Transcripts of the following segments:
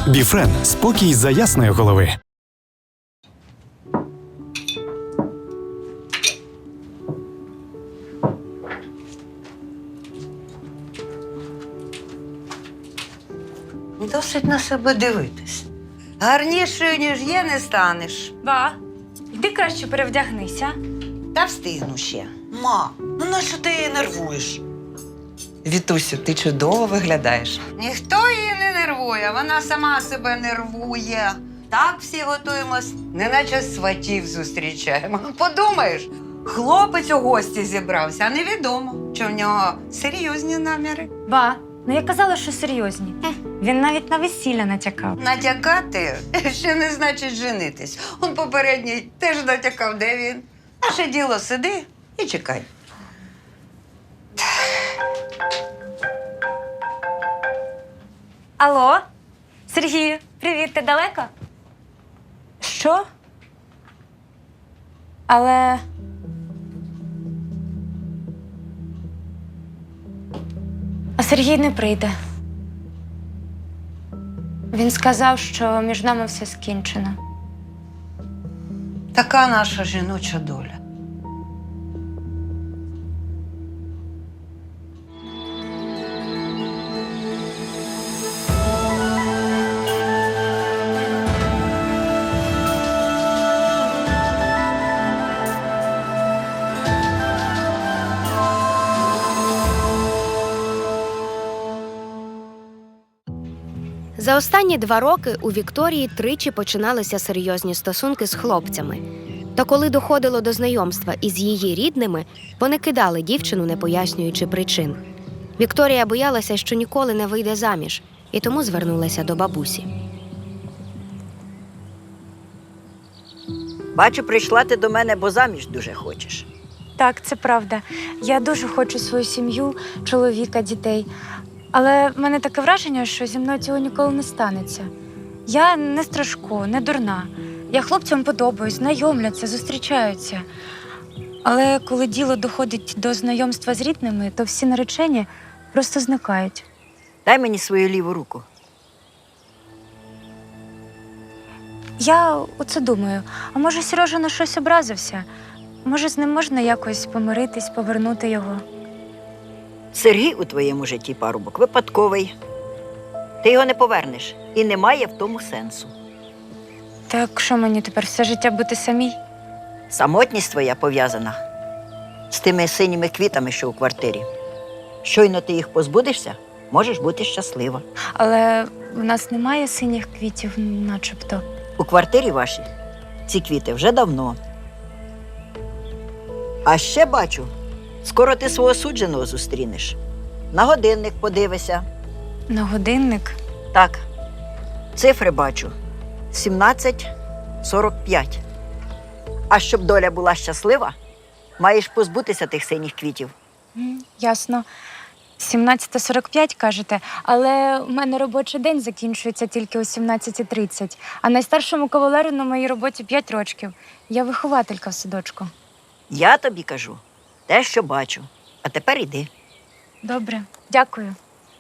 Біфрен – спокій за ясної голови. Досить на себе дивитись. Гарнішою, ніж є, не станеш. Ба, йди краще перевдягнися. Та встигну ще. Ма, ну нащо ти її нервуєш? Вітусю, ти чудово виглядаєш. Ніхто її не нервує, вона сама себе нервує. Так всі готуємось, неначе сватів зустрічаємо. Подумаєш, хлопець у гості зібрався, а невідомо, чи в нього серйозні наміри. Ба, ну я казала, що серйозні. Він навіть на весілля натякав. Натякати ще не значить женитись. Он попередній теж натякав, де він. Наше діло сиди і чекай. Алло? Сергію, привіт, ти далеко? Що? Але... А Сергій не прийде. Він сказав, що між нами все скінчено. Така наша жіноча доля. За останні 2 роки у Вікторії тричі починалися серйозні стосунки з хлопцями. Та коли доходило до знайомства із її рідними, вони кидали дівчину, не пояснюючи причин. Вікторія боялася, що ніколи не вийде заміж, і тому звернулася до бабусі. Бачу, прийшла ти до мене, бо заміж дуже хочеш. Так, це правда. Я дуже хочу свою сім'ю, чоловіка, дітей. Але в мене таке враження, що зі мною цього ніколи не станеться. Я не страшко, не дурна. Я хлопцям подобаюсь, знайомляться, зустрічаються. Але коли діло доходить до знайомства з рідними, то всі наречені просто зникають. Дай мені свою ліву руку. Я оце думаю, а може Сережа на щось образився? Може з ним можна якось помиритись, повернути його? Сергій у твоєму житті парубок випадковий. Ти його не повернеш, і немає в тому сенсу. Так що мені тепер все життя бути самій? Самотність твоя пов'язана з тими синіми квітами, що у квартирі. Щойно ти їх позбудешся, можеш бути щаслива. Але в нас немає синіх квітів, начебто. У квартирі вашій ці квіти вже давно. А ще бачу, скоро ти свого судженого зустрінеш. На годинник подивися. На годинник? Так, цифри бачу. 17:45. А щоб доля була щаслива, маєш позбутися тих синіх квітів. Ясно. 17:45, кажете, але у мене робочий день закінчується тільки о 17:30, а найстаршому кавалеру на моїй роботі 5 років. Я вихователька в садочку. Я тобі кажу те, що бачу. А тепер іди. Добре, дякую.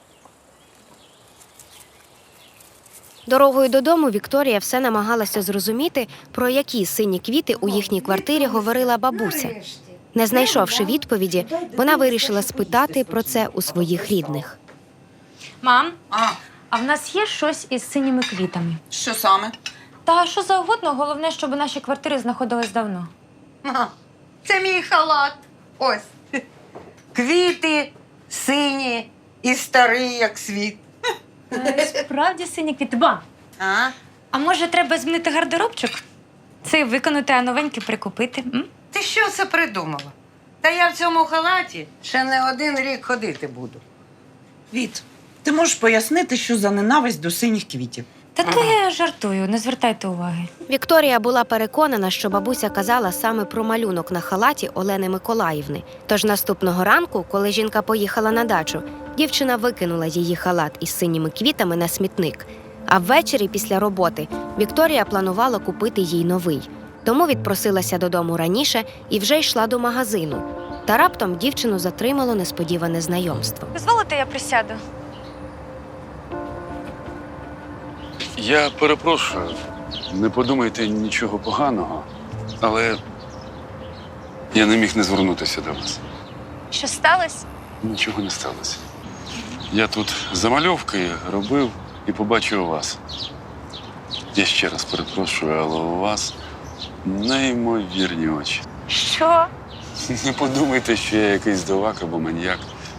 Дорогою додому Вікторія все намагалася зрозуміти, про які сині квіти у їхній квартирі говорила бабуся. Не знайшовши відповіді, вона вирішила спитати про це у своїх рідних. Мам, а в нас є щось із синіми квітами? Що саме? Та що завгодно, головне, щоб наші квартири знаходились давно. Це мій халат. Ось. Квіти сині і старий, як світ. Справді сині квіти. Ба, а може треба змінити гардеробчик? Це виконати, а новенькі прикупити? Ти що це придумала? Та я в цьому халаті ще не 1 рік ходити буду. Віт, ти можеш пояснити, що за ненависть до синіх квітів? Та то я жартую, не звертайте уваги. Вікторія була переконана, що бабуся казала саме про малюнок на халаті Олени Миколаївни. Тож наступного ранку, коли жінка поїхала на дачу, дівчина викинула її халат із синіми квітами на смітник. А ввечері після роботи Вікторія планувала купити їй новий. Тому відпросилася додому раніше і вже йшла до магазину. Та раптом дівчину затримало несподіване знайомство. Дозволите, я присяду? Я перепрошую, не подумайте нічого поганого, але я не міг не звернутися до вас. Що сталося? Нічого не сталося. Я тут замальовки робив і побачив вас. Я ще раз перепрошую, але у вас неймовірні очі. Що? Не подумайте, що я якийсь дивак або маньяк.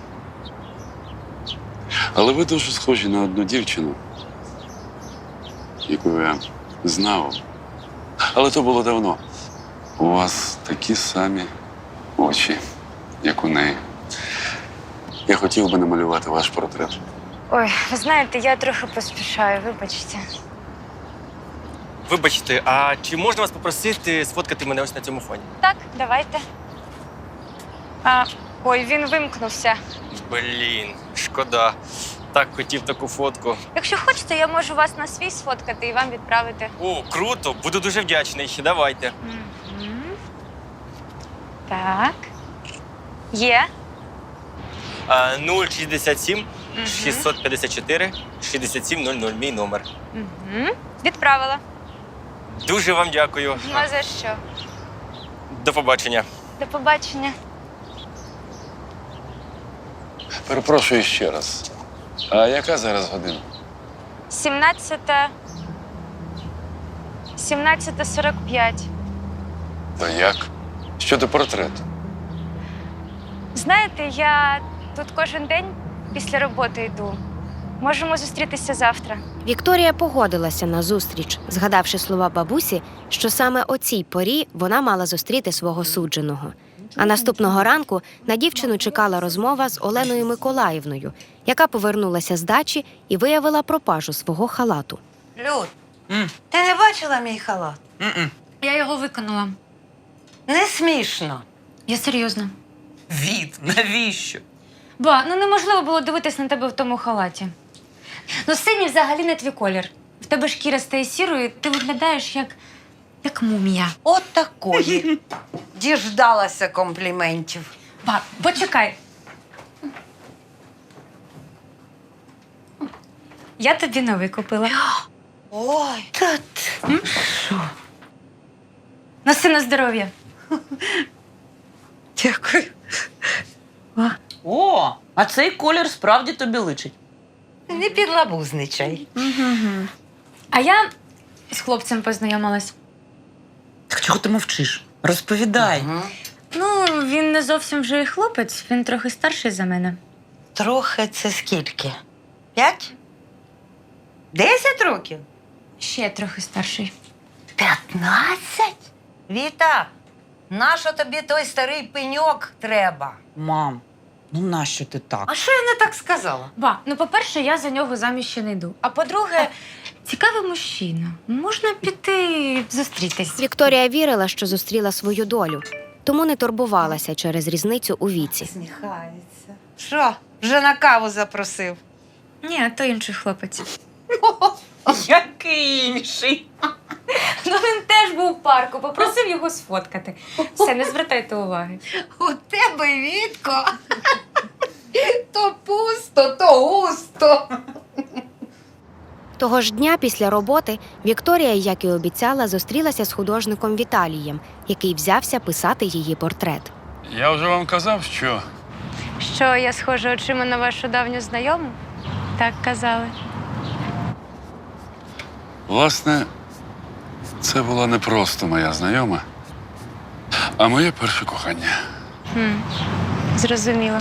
Але ви дуже схожі на одну дівчину, яку я знав. Але то було давно. У вас такі самі очі, як у неї. Я хотів би намалювати ваш портрет. Ой, ви знаєте, я трохи поспішаю, вибачте. Вибачте, а чи можна вас попросити сфоткати мене ось на цьому фоні? Так, давайте. Ой, він вимкнувся. Блін, шкода. Так хотів таку фотку. Якщо хочете, я можу вас на свій сфоткати і вам відправити. О, круто, буду дуже вдячний. Давайте. Мгм. Так. Є. 067 654 6700, мій номер. Угу. Відправила. Дуже вам дякую. Ну, а за що? До побачення. До побачення. Перепрошую ще раз. А яка зараз година? 17:45. Та як? Щодо портрету. Знаєте, я тут кожен день після роботи йду. Можемо зустрітися завтра. Вікторія погодилася на зустріч, згадавши слова бабусі, що саме о цій порі вона мала зустріти свого судженого. А наступного ранку на дівчину чекала розмова з Оленою Миколаївною, яка повернулася з дачі і виявила пропажу свого халату. Люд, ти не бачила мій халат? Я його виконала. Не смішно. Я серйозно. Від, навіщо? Ба, ну неможливо було дивитись на тебе в тому халаті. Ну, синій взагалі не твій колір. В тебе шкіра стає сірою, ти виглядаєш як мумія. От такої. Діждалася компліментів. Ба, почекай. Я тобі новий купила. Ой, Носи на здоров'я. дякую. О, а цей колір справді тобі личить. Не підлабузничай. А я з хлопцем познайомилась. Так чого ти мовчиш? Розповідай. Мгм. Ну, він не зовсім вже і хлопець, він трохи старший за мене. Трохи це скільки? 5? 10 років? Ще трохи старший. 15? Віта, нащо тобі той старий пеньок треба? Мам, ну нащо ти так? А що я не так сказала? Ба, ну, по-перше, я за нього заміж ще не йду. А по-друге, цікавий мужчина. Можна піти зустрітись. Вікторія вірила, що зустріла свою долю, тому не турбувалася через різницю у віці. Сміхається. Що, вже на каву запросив? Ні, а то інший хлопець. Який інший? Ну, він теж був в парку, попросив його сфоткати. Все, не звертайте уваги. У тебе, Вітко, то пусто, то густо. Того ж дня після роботи Вікторія, як і обіцяла, зустрілася з художником Віталієм, який взявся писати її портрет. Я вже вам казав, що Що, я схожа очима на вашу давню знайому? Так казали. власне, це була не просто моя знайома, а моє перше кохання. Зрозуміло.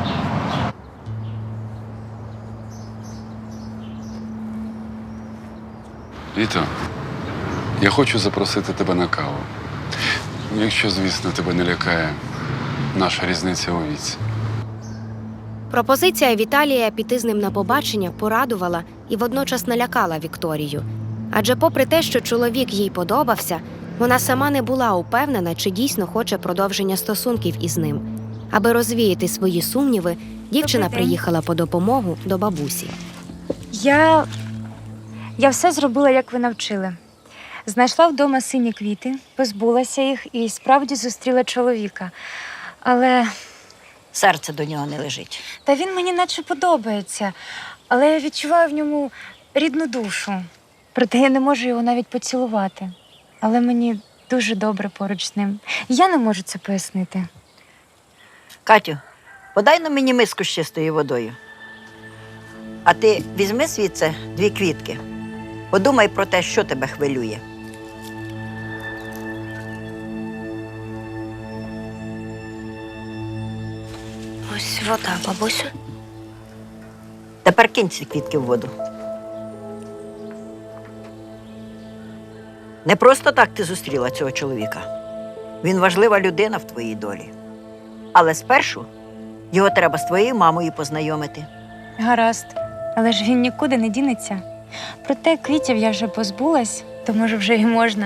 Віто, я хочу запросити тебе на каву. Якщо, звісно, тебе не лякає наша різниця у віці. Пропозиція Віталія піти з ним на побачення порадувала і водночас налякала Вікторію. Адже попри те, що чоловік їй подобався, вона сама не була упевнена, чи дійсно хоче продовження стосунків із ним. Аби розвіяти свої сумніви, дівчина Добрий день. приїхала по допомогу до бабусі. Я все зробила, як ви навчили. Знайшла вдома сині квіти, позбулася їх і справді зустріла чоловіка. Але Серце до нього не лежить. він мені наче подобається. Але я відчуваю в ньому рідну душу. Проте я не можу його навіть поцілувати. Але мені дуже добре поруч з ним. Я не можу це пояснити. Катю, подай на мені миску з чистою водою. А ти візьми звідси 2 квітки. Подумай про те, що тебе хвилює. Ось вода, бабусю. Тепер кинь ці квітки в воду. Не просто так ти зустріла цього чоловіка. Він важлива людина в твоїй долі. Але спершу його треба з твоєю мамою познайомити. Гаразд. Але ж він нікуди не дінеться. Проте квітів я вже позбулась, то може вже й можна.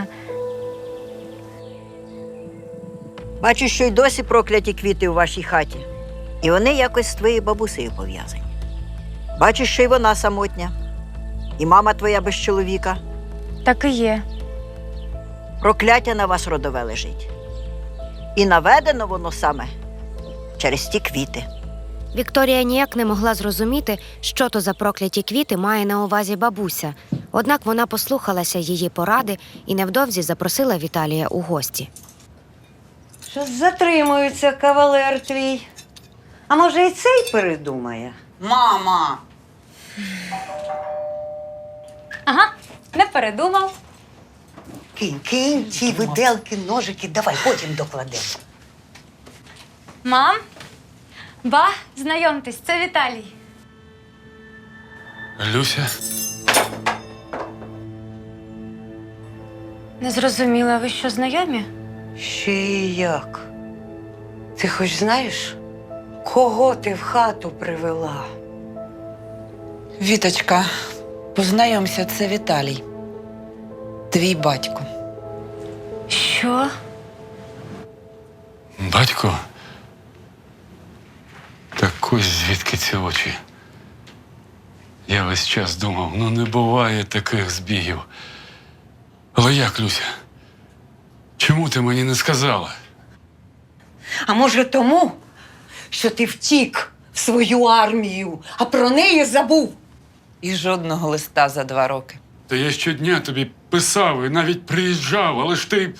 Бачу, що й досі прокляті квіти у вашій хаті. І вони якось з твоєю бабусею пов'язані. Бачу, що й вона самотня. І мама твоя без чоловіка. Так і є. Прокляття на вас родове лежить. І наведено воно саме через ті квіти. Вікторія ніяк не могла зрозуміти, що то за прокляті квіти має на увазі бабуся. Однак вона послухалася її поради і невдовзі запросила Віталія у гості. Щось затримується кавалер твій. А може і цей передумає? Мама! Ага, не передумав. Кинь ті виделки, ножики, давай, потім докладемо. Мам, ба, знайомтесь, це Віталій. Люся, Не зрозуміла, ви що, знайомі? Ще і як? Ти хоч знаєш, кого ти в хату привела? Віточка, познайомся, це Віталій. Твій батько. Що? батько? Так ось звідки ці очі. Я весь час думав, ну не буває таких збігів. Але як, Люся? Чому ти мені не сказала? А може тому, що ти втік в свою армію, а про неї забув? І жодного листа за 2 роки. Та я щодня тобі писав і навіть приїжджав, але ж ти.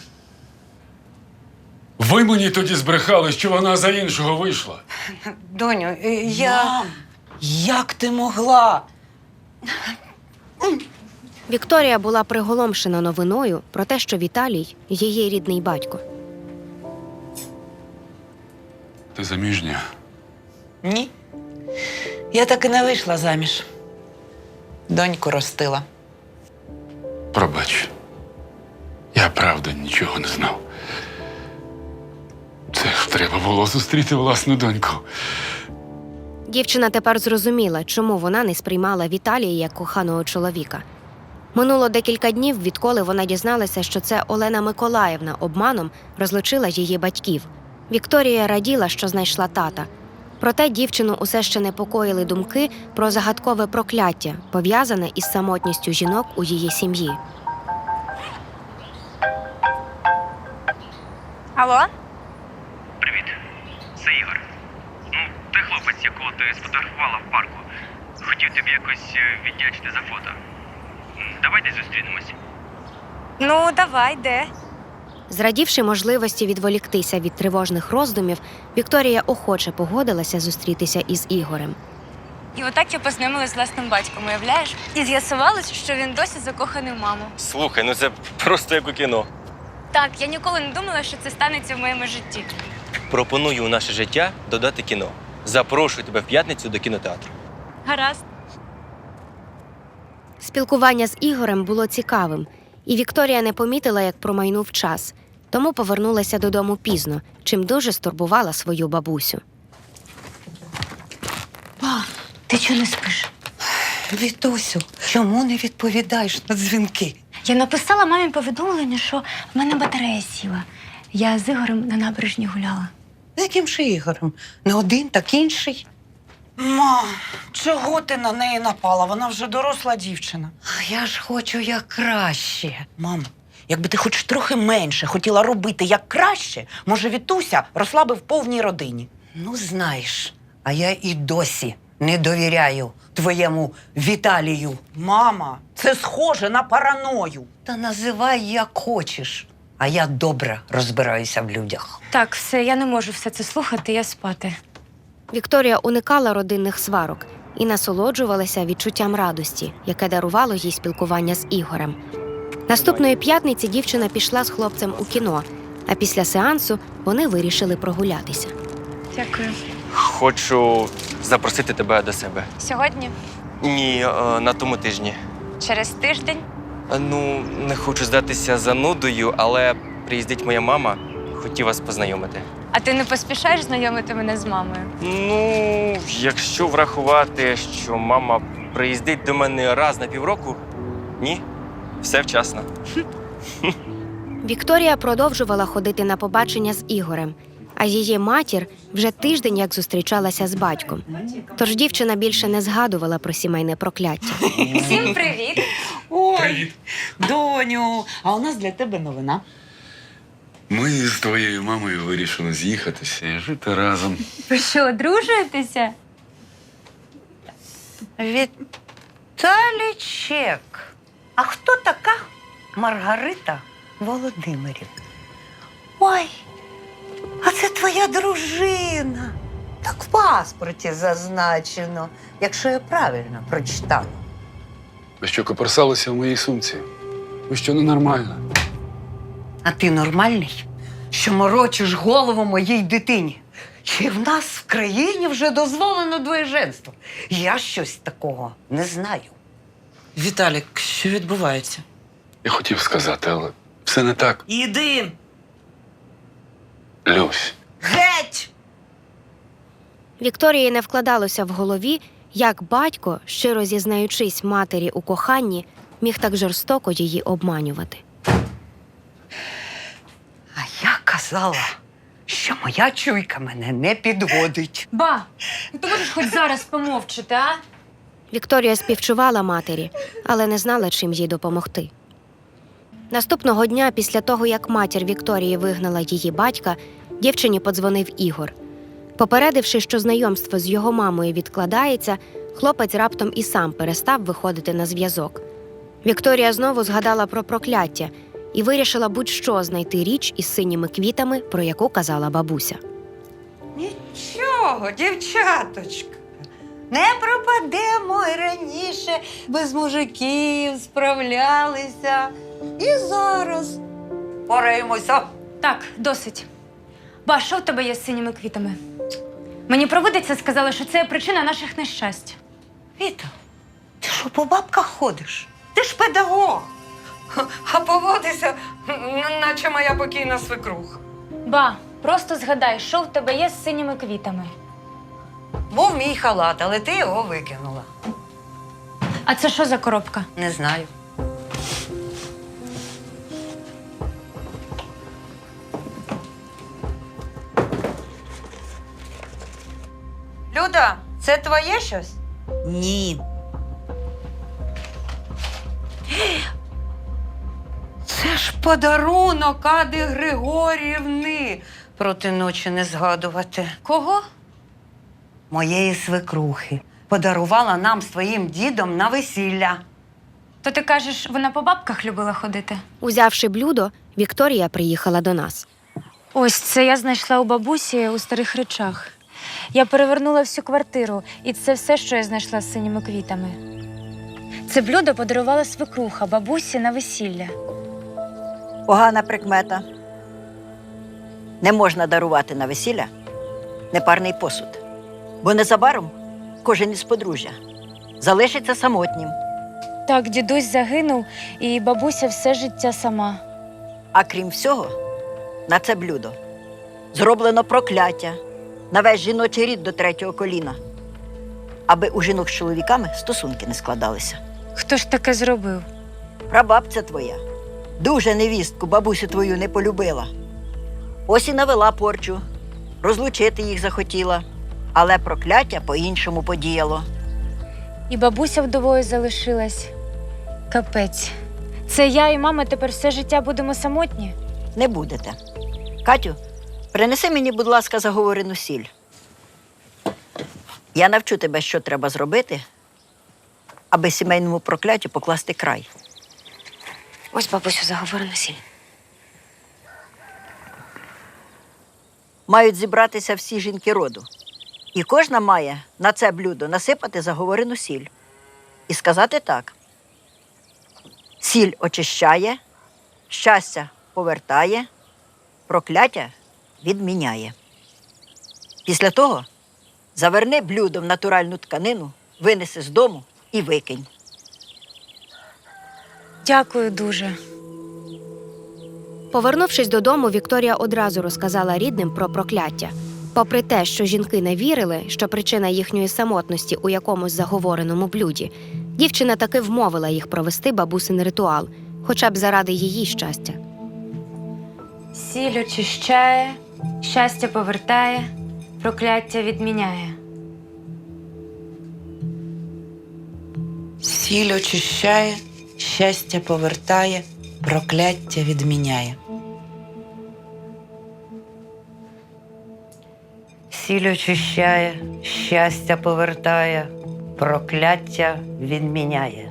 Ви мені тоді збрехали, що вона за іншого вийшла. Доню, я... Мам, як ти могла? Вікторія була приголомшена новиною про те, що Віталій – її рідний батько. Ти заміжня? Ні. Я так і не вийшла заміж. Доньку ростила. Пробач. Я правда нічого не знав. Це ж треба було зустріти власну доньку. Дівчина тепер зрозуміла, чому вона не сприймала Віталія як коханого чоловіка. Минуло декілька днів, відколи вона дізналася, що це Олена Миколаївна обманом розлучила її батьків. Вікторія раділа, що знайшла тата. Проте дівчину усе ще непокоїли думки про загадкове прокляття, пов'язане із самотністю жінок у її сім'ї. Алло? Привіт, це Ігор. Ну, ти хлопець, якого ти сфотографувала в парку. Хотів тобі якось віддячити за фото. Давай десь зустрінемось. Ну, давай, де? Зрадівши можливості відволіктися від тривожних роздумів, Вікторія охоче погодилася зустрітися із Ігорем. І отак я познайомилась з власним батьком, уявляєш? І з'ясувалось, що він досі закоханий в маму. Слухай, ну це просто як у кіно. Так, я ніколи не думала, що це станеться в моєму житті. Пропоную у наше життя додати кіно. Запрошую тебе в п'ятницю до кінотеатру. Гаразд. Спілкування з Ігорем було цікавим, і Вікторія не помітила, як промайнув час, тому повернулася додому пізно, чим дуже стурбувала свою бабусю. Ба, ти чого не спиш? Вітусю, чому не відповідаєш на дзвінки? Я написала мамі повідомлення, що в мене батарея сіла. Я з Ігорем на набережні гуляла. З яким же Ігорем? Не один, так інший. Мам, чого ти на неї напала? Вона вже доросла дівчина. А я ж хочу як краще. Мам, якби ти хоч трохи менше хотіла робити як краще, може, Вітуся росла би в повній родині. Ну, знаєш, а я і досі не довіряю твоєму Віталію. Мама, Це схоже на параною. Та називай як хочеш. А я добре розбираюся в людях. Так, все, я не можу все це слухати, я спати. Вікторія уникала родинних сварок і насолоджувалася відчуттям радості, яке дарувало їй спілкування з Ігорем. Наступної п'ятниці дівчина пішла з хлопцем у кіно, а після сеансу вони вирішили прогулятися. Дякую. Хочу запросити тебе до себе. Сьогодні? Ні, на тому тижні. Через тиждень? Ну, не хочу здатися занудою, але приїздить моя мама. Хотів вас познайомити. А ти не поспішаєш знайомити мене з мамою? Ну, якщо врахувати, що мама приїздить до мене раз на півроку, ні, все вчасно. Вікторія продовжувала ходити на побачення з Ігорем, а її матір вже тиждень як зустрічалася з батьком. Тож дівчина більше не згадувала про сімейне прокляття. Всім привіт! Ой, доню, а у нас для тебе новина. Ми з твоєю мамою вирішили з'їхатися і жити разом. Ви що, одружуєтеся? Віталічек, а хто така Маргарита Володимирівна? Ой, а це твоя дружина. Так в паспорті зазначено, якщо я правильно прочитала. Ви що, коперсалися в моїй сумці? Ви що, ненормальна? А ти нормальний, що морочиш голову моїй дитині? Чи в нас в країні вже дозволено двоєженство? Я щось такого не знаю. Віталік, що відбувається? Я хотів сказати, але все не так. Іди! Люсь, Геть! Вікторії не вкладалося в голові, як батько, щиро зізнаючись матері у коханні, міг так жорстоко її обманювати. А я казала, що моя чуйка мене не підводить. Ба, ну ти можеш хоч зараз помовчати, а? Вікторія співчувала матері, але не знала, чим їй допомогти. Наступного дня, після того, як матір Вікторії вигнала її батька, дівчині подзвонив Ігор. Попередивши, що знайомство з його мамою відкладається, хлопець раптом і сам перестав виходити на зв'язок. Вікторія знову згадала про прокляття і вирішила будь-що знайти річ із синіми квітами, про яку казала бабуся. Нічого, дівчаточка. Не пропадемо і раніше без мужиків справлялися. І зараз пораємося. Так, досить. Ба, що в тебе є з синіми квітами? Мені провидиця сказала, що це причина наших нещасть. Віта, ти що по бабках ходиш? Ти ж педагог. А поводися, наче моя покійна свекруха. Ба, просто згадай, що в тебе є з синіми квітами. Був мій халат, але ти його викинула. А це що за коробка? Не знаю. Люда, це твоє щось? Ні. Це ж подарунок Ади Григорівни. Проти ночі не згадувати. Кого? Моєї свекрухи. Подарувала нам з твоїм дідом на весілля. То ти кажеш, вона по бабках любила ходити? Узявши блюдо, Вікторія приїхала до нас. Ось це я знайшла у бабусі у старих речах. Я перевернула всю квартиру, і це все, що я знайшла з синіми квітами. Це блюдо подарувала свекруха бабусі на весілля. Погана прикмета. Не можна дарувати на весілля непарний посуд. Бо незабаром кожен із подружжя залишиться самотнім. Так, дідусь загинув, і бабуся все життя сама. А крім всього, на це блюдо зроблено прокляття на весь жіночий рід до 3-го коліна, аби у жінок з чоловіками стосунки не складалися. Хто ж таке зробив? Прабабця твоя дуже невістку бабусю твою не полюбила. Ось і навела порчу, розлучити їх захотіла, але прокляття по-іншому подіяло. І бабуся вдовою залишилась. Капець. Це я і мама тепер все життя будемо самотні? Не будете. Катю, принеси мені, будь ласка, заговорену сіль. Я навчу тебе, що треба зробити, аби сімейному прокляттю покласти край. Ось, бабусю, заговорена сіль. Мають зібратися всі жінки роду. І кожна має на це блюдо насипати заговорену сіль. І сказати так. Сіль очищає, щастя повертає, прокляття відміняє. Після того заверни блюдо в натуральну тканину, винеси з дому і викинь. Дякую дуже. Повернувшись додому, Вікторія одразу розказала рідним про прокляття. Попри те, що жінки не вірили, що причина їхньої самотності у якомусь заговореному блюді, дівчина таки вмовила їх провести бабусин ритуал, хоча б заради її щастя. Сіль очищає, щастя повертає, прокляття відміняє. Сіль очищає, щастя повертає, прокляття відміняє. Сіль очищає, щастя повертає, прокляття відміняє.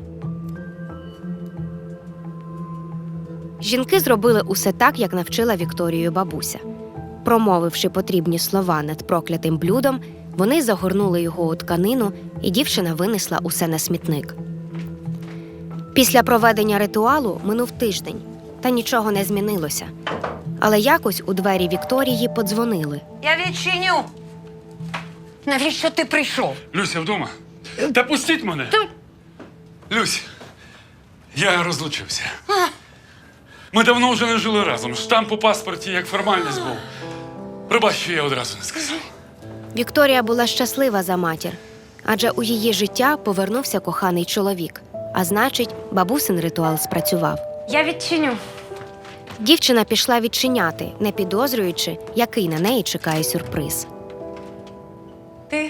Жінки зробили усе так, як навчила Вікторію бабуся. Промовивши потрібні слова над проклятим блюдом, вони загорнули його у тканину, і дівчина винесла усе на смітник. Після проведення ритуалу минув тиждень, та нічого не змінилося. Але якось у двері Вікторії подзвонили. Я відчиню. Навіщо ти прийшов? Люся вдома? Та пустіть мене! Люсь, я розлучився. Ми давно вже не жили разом. Штамп у паспорті як формальність був. Пробач, що я одразу не сказав. Вікторія була щаслива за матір, адже у її життя повернувся коханий чоловік. А значить, бабусин ритуал спрацював. Я відчиню. Дівчина пішла відчиняти, не підозрюючи, який на неї чекає сюрприз. Ти?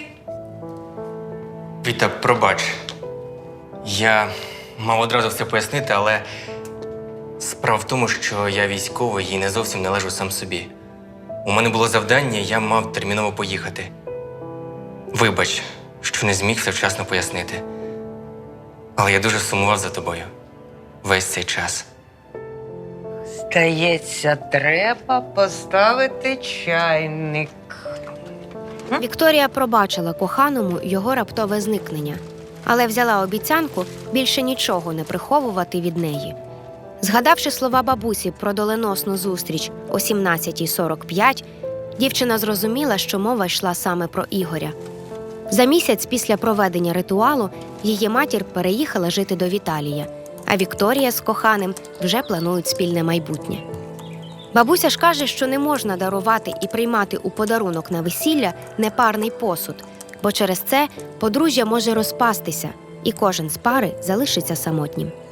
Віта, пробач. Я мав одразу все пояснити, але справа в тому, що я військовий і не зовсім належу сам собі. У мене було завдання, я мав терміново поїхати. Вибач, що не зміг все вчасно пояснити. Але я дуже сумував за тобою весь цей час. Здається, треба поставити чайник. Вікторія пробачила коханому його раптове зникнення, але взяла обіцянку більше нічого не приховувати від неї. Згадавши слова бабусі про доленосну зустріч о 17:45, дівчина зрозуміла, що мова йшла саме про Ігоря. За місяць після проведення ритуалу її матір переїхала жити до Віталія, а Вікторія з коханим вже планують спільне майбутнє. Бабуся ж каже, що не можна дарувати і приймати у подарунок на весілля непарний посуд, бо через це подружжя може розпастися, і кожен з пари залишиться самотнім.